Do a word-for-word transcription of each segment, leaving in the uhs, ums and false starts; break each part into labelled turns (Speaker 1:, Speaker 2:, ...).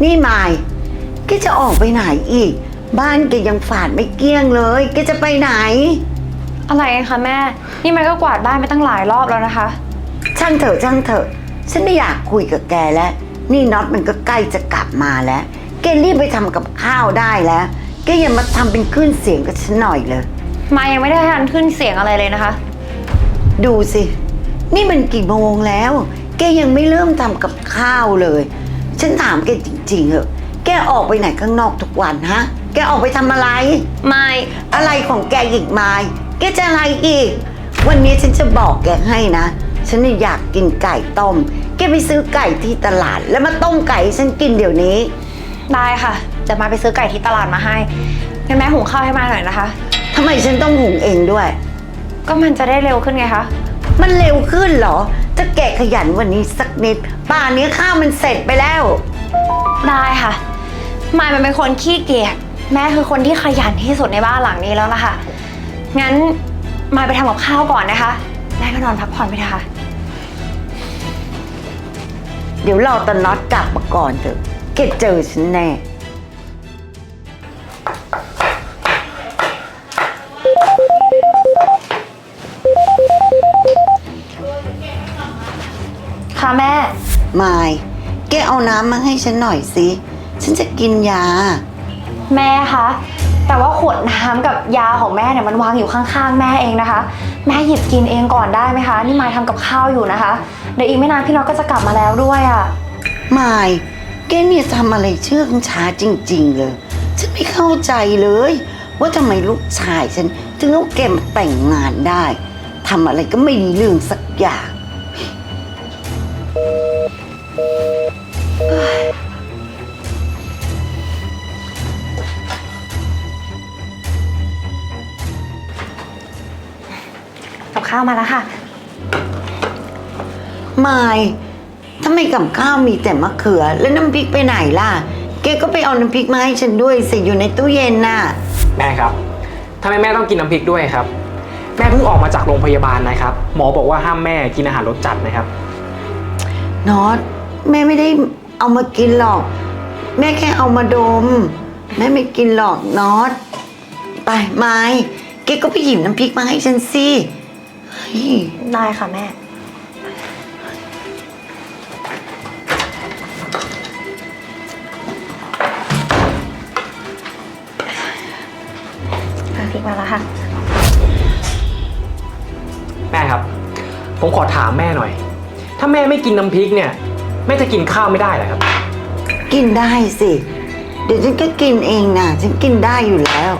Speaker 1: นี่มายแกจะออกไปไหนอีกบ้านแกยังฝาดไม่เกลี้ยงเลยแกจะไปไหน
Speaker 2: อะไรกันคะแม่นี่มันก็กวาดบ้านไปตั้งหลายรอบแล้วนะคะ
Speaker 1: ช่างเถอะช่างเถอะฉันไม่อยากคุยกับแกแล้วนี่น็อตมันก็ใกล้จะกลับมาแล้วแกรีบไปทำกับข้าวได้แล้วแกอย่ามาทำเป็นขึ้นเสียงกับฉันหน่อยเลย
Speaker 2: มายังไม่ได้ทันขึ้นเสียงอะไรเลยนะคะ
Speaker 1: ดูสินี่มันกี่โมงแล้วแกยังไม่เริ่มทำกับข้าวเลยฉันถามแกจริงๆเหอะแกออกไปไหนข้างนอกทุกวันฮะแกออกไปทำอะไร
Speaker 2: ไม่
Speaker 1: อะไรของแกอีกไม่แกจะอะไรอีกวันนี้ฉันจะบอกแกให้นะฉันอยากกินไก่ต้มแกไปซื้อไก่ที่ตลาดแล้วมาต้มไก่ให้ฉันกินเดี๋ยวนี้
Speaker 2: ได้ค่ะจะมาไปซื้อไก่ที่ตลาดมาให้งั้นแม่หุงข้าวให้มาหน่อยนะคะ
Speaker 1: ทำไมฉันต้องหุงเองด้วย
Speaker 2: ก็มันจะได้เร็วขึ้นไงคะ
Speaker 1: มันเร็วขึ้นเหรอจะแกะขยันวันนี้สักนิดป่านนี้ข้าวมันเสร็จไปแล้ว
Speaker 2: ได้ค่ะมายมันเป็นคนขี้เกียจแม่คือคนที่ขยันที่สุดในบ้านหลังนี้แล้วล่ะค่ะงั้นมายไปทำกับข้าวก่อนนะคะแม่ก็นอนพักผ่อนไปเถอะค่ะ
Speaker 1: เดี๋ยวรอตอนน็อตกลับมาก่อนเถอะแกเจอฉันแน่
Speaker 2: ค่ะแม่
Speaker 1: มายแกเอาน้ำมาให้ฉันหน่อยสิฉันจะกินยา
Speaker 2: แม่คะแต่ว่าขวดน้ำกับยาของแม่เนี่ยมันวางอยู่ข้างๆแม่เองนะคะแม่หยิบกินเองก่อนได้ไหมคะนี่มายทำกับข้าวอยู่นะคะเดี๋ยวอีกไม่นานพี่น็อตก็จะกลับมาแล้วด้วยอ่ะ
Speaker 1: มายแกเนี่ยทำอะไรเชื่องช้าจริงๆเลยฉันไม่เข้าใจเลยว่าทำไมลูกชายฉันถึงเอาแกมาแต่งงานได้ทำอะไรก็ไม่ดีเรื่องสักอย่าง
Speaker 2: กับข้าวมาแล้วค่ะ
Speaker 1: มายทำไมกับข้าวมีแต่มะเขือแล้วน้ำพริกไปไหนล่ะแกก็ไปเอาน้ำพริกมาให้ฉันด้วยสิอยู่ในตู้เย็นน่ะ
Speaker 3: แม่ครับทำไมแม่ต้องกินน้ำพริกด้วยครับแม่เพิ่งออกมาจากโรงพยาบาลนะครับหมอบอกว่าห้ามแม่กินอาหารรสจัดนะครับ
Speaker 1: น็อตแม่ไม่ได้เอามากินหรอกแม่แค่เอามาดมแม่ไม่กินหรอกน็อตไปไม้แกก็ไปหยิบน้ำพริกมาให้ฉันสิ
Speaker 2: ได้ค่ะแม่น้ำพริกมาแล้วค่ะ
Speaker 3: แม่ครับผมขอถามแม่หน่อยถ้าแม่ไม่กินน้ำพริกเนี่ยแม่จะกินข้าวไม่ได้เหรอครับ
Speaker 1: กินได้สิเดี๋ยวฉันก็กินเองนะฉันกินได้อยู่แล้ว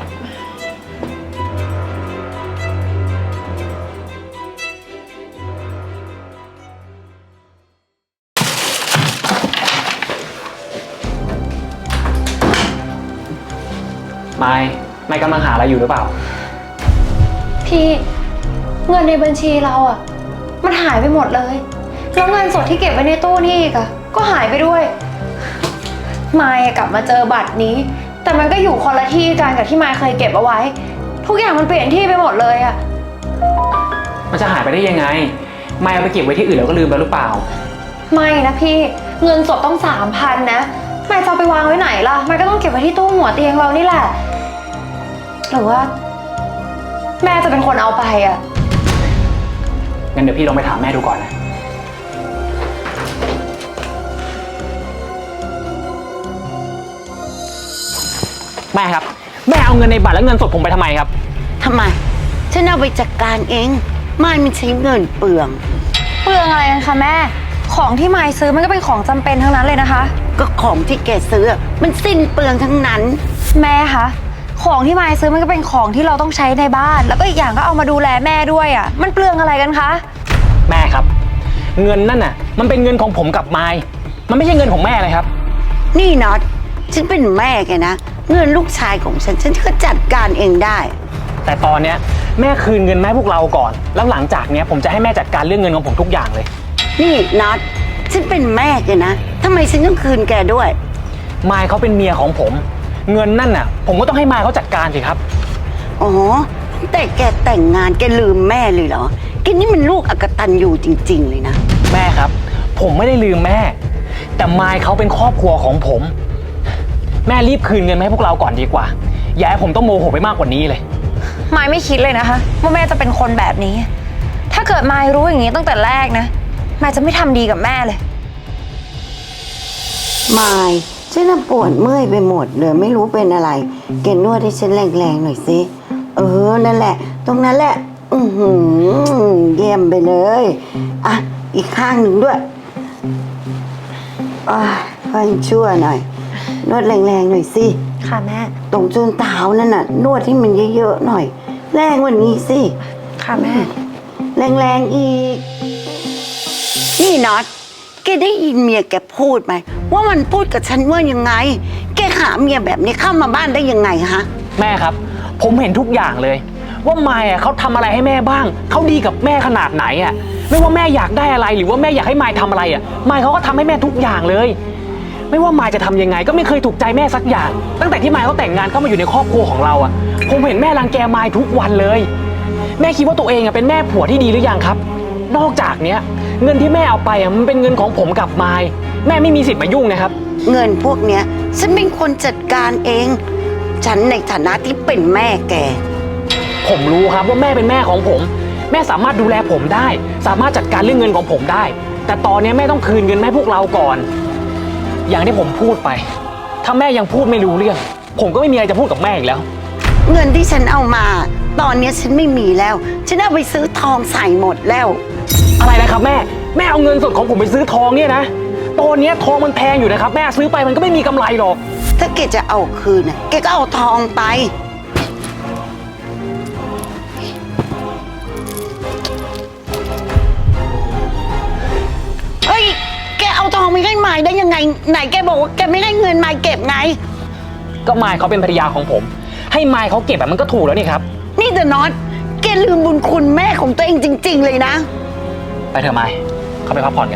Speaker 3: ไม่ไม่กำลังหาอะไรอยู่หรือเปล่า
Speaker 2: พี่เงินในบัญชีเราอ่ะมันหายไปหมดเลยแล้วเงินสดที่เก็บไว้ในตู้นี่อีกอ่ะก็หายไปด้วยมายกลับมาเจอบัตรนี้แต่มันก็อยู่คนละที่กันกับที่มายเคยเก็บเอาไว้ทุกอย่างมันเปลี่ยนที่ไปหมดเลยอ่ะ
Speaker 3: มันจะหายไปได้ยังไงไม่เอาไปเก็บไว้ที่อื่นแล้วก็ลืมไปหรือเปล่า
Speaker 2: ไม่นะพี่เงินสดต้องสามพันนะมายจะเอาไปวางไว้ไหนล่ะมายก็ต้องเก็บไว้ที่ตู้หัวเตียงเรานี่แหละหรือว่าแม่จะเป็นคนเอาไปอ่ะ
Speaker 3: งั้นเดี๋ยวพี่ลองไปถามแม่ดูก่อนนะแม่ครับแม่เอาเงินในบัตรและเงินสดผมไปทำไมครับ
Speaker 1: ทำไมฉันเอาไปจัดการเองไม่มันใช้เงินเปลือง
Speaker 2: เปลืองอะไรกันคะแม่ของที่มายซื้อมันก็เป็นของจำเป็นทั้งนั้นเลยนะคะ
Speaker 1: ก็ของที่แกซื้อมันสิ้นเปลืองทั้งนั้น
Speaker 2: แม่คะของที่มายซื้อมันก็เป็นของที่เราต้องใช้ในบ้านแล้วก็อีกอย่างก็เอามาดูแลแม่ด้วยอ่ะมันเปลืองอะไรกันคะ
Speaker 3: แม่ครับเงินนั่นน่ะมันเป็นเงินของผมกับมายมันไม่ใช่เงินของแม่เลยครับ
Speaker 1: นี่น็อตฉันเป็นแม่แกนะเงินลูกชายของฉันฉันก็จัดการเองได้
Speaker 3: แต่ตอนเนี้ยแม่คืนเงินแม่พวกเราก่อนแล้วหลังจากเนี้ยผมจะให้แม่จัดการเรื่องเงินของผมทุกอย่างเลย
Speaker 1: นี่น็อตฉันเป็นแม่แกนะทำไมฉันต้องคืนแกด้วย
Speaker 3: มายเขาเป็นเมียของผมเงินนั่นน่ะผมก็ต้องให้มายเขาจัดการสิครับ
Speaker 1: อ๋อแต่แกแต่งงานแกลืมแม่เลยเหรอแกนี่มันลูกอกตัญญูจริงๆเลยนะ
Speaker 3: แม่ครับผมไม่ได้ลืมแม่แต่มายเขาเป็นครอบครัวของผมแม่รีบคืนเงินมาให้พวกเราก่อนดีกว่าอย่าให้ผมต้องโมโหไปมากกว่านี้เลย
Speaker 2: มายไม่คิดเลยนะคะว่าแม่จะเป็นคนแบบนี้ ถ้าเกิดมายรู้อย่างนี้ตั้งแต่แรกนะมายจะไม่ทำดีกับแม่เลย
Speaker 1: มายฉันน่ะปวดเมื่อยไปหมดเลยไม่รู้เป็นอะไรแกนวดให้ฉันแรงๆหน่อยสิเออนั่นแหละ ตรงนั้นแหละ อือหือเยี่ยมไปเลยอ่ะอีกข้างหนึ่งด้วยอ่ะค่อยชั่วหน่อย นวดแรงๆหน่อยสิ
Speaker 2: ค่ะแม่
Speaker 1: ตรงจนเท้านั่นน่ะ นวดให้มันเยอะๆหน่อย แรงกว่านี้สิ
Speaker 2: ค่ะแม่
Speaker 1: แรงๆอีก นี่น็อตแกได้ยินเมียแกพูดไหมว่ามันพูดกับฉันว่ายังไง แกหาเมียแบบนี้เข้ามาบ้านได้ยังไงฮะ
Speaker 3: แม่ครับผมเห็นทุกอย่างเลย ว่ามายอ่ะเขาทำอะไรให้แม่บ้างเขาดีกับแม่ขนาดไหนอ่ะไม่ว่าแม่อยากได้อะไรหรือว่าแม่อยากให้มายทำอะไรอ่ะมายเขาก็ทำให้แม่ทุกอย่างเลย ไม่ว่ามายจะทำยังไงก็ไม่เคยถูกใจแม่สักอย่าง ตั้งแต่ที่มายเขาแต่งงานเข้ามาอยู่ในครอบครัวของเราอ่ะผมเห็นแม่รังแกมายทุกวันเลย แม่คิดว่าตัวเองอ่ะเป็นแม่ผัวที่ดีหรือยังครับ นอกจากเนี้ยเงินที่แม่เอาไปอ่ะมันเป็นเงินของผมกับมายแม่ไม่มีสิทธิ์มายุ่งนะครับ
Speaker 1: เงินพวกเนี้ยฉันเป็นคนจัดการเอง ฉันในฐานะที่เป็นแม่แก
Speaker 3: ผมรู้ครับว่าแม่เป็นแม่ของผม แม่สามารถดูแลผมได้ สามารถจัดการเรื่องเงินของผมได้ แต่ตอนนี้แม่ต้องคืนเงินให้พวกเราก่อน อย่างที่ผมพูดไป ถ้าแม่ยังพูดไม่รู้เรื่อง ผมก็ไม่มีอะไรจะพูดกับแม่อีกแล้ว
Speaker 1: เงินที่ฉันเอามา ตอนเนี้ยฉันไม่มีแล้ว ฉันเอาไปซื้อทองใส่หมดแล้ว
Speaker 3: อะไรนะครับแม่แม่เอาเงินสดของผมไปซื้อทองเนี่ยนะตอนนี้ทองมันแพงอยู่นะครับแม่ซื้อไปมันก็ไม่มีกำไรหรอก
Speaker 1: ถ้าแกจะเอาคืนน่ะแกก็เอาทองไป เฮ้ย แกเอาทองไปให้มายได้ยังไง ไหนแกบอกว่าแกไม่ให้เงินมายเก็บไง
Speaker 3: ก็มายเขาเป็นภรรยาของผม ให้มายเขาเก็บแบบมันก็ถูกแล้วนี่ครับ
Speaker 1: นี่แต่น็อต แกลืมบุญคุณแม่ของตัวเองจริง ๆ เลยนะ
Speaker 3: ไปเถอะมายเขาไปพักผ่อนกัน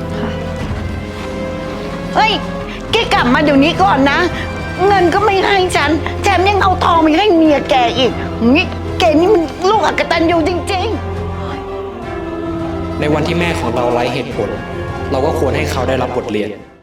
Speaker 1: เฮ้ย แกกลับมาเดี๋ยวนี้ก่อนนะ เงินก็ไม่ให้ฉัน แถมยังเอาทองไปให้เมียแกอีกนี่แกนี่มันลูกอกตัญญูจริง ๆ
Speaker 4: ในวันที่แม่ของเราไร้เหตุผล เราก็ควรให้เขาได้รับบทเรียน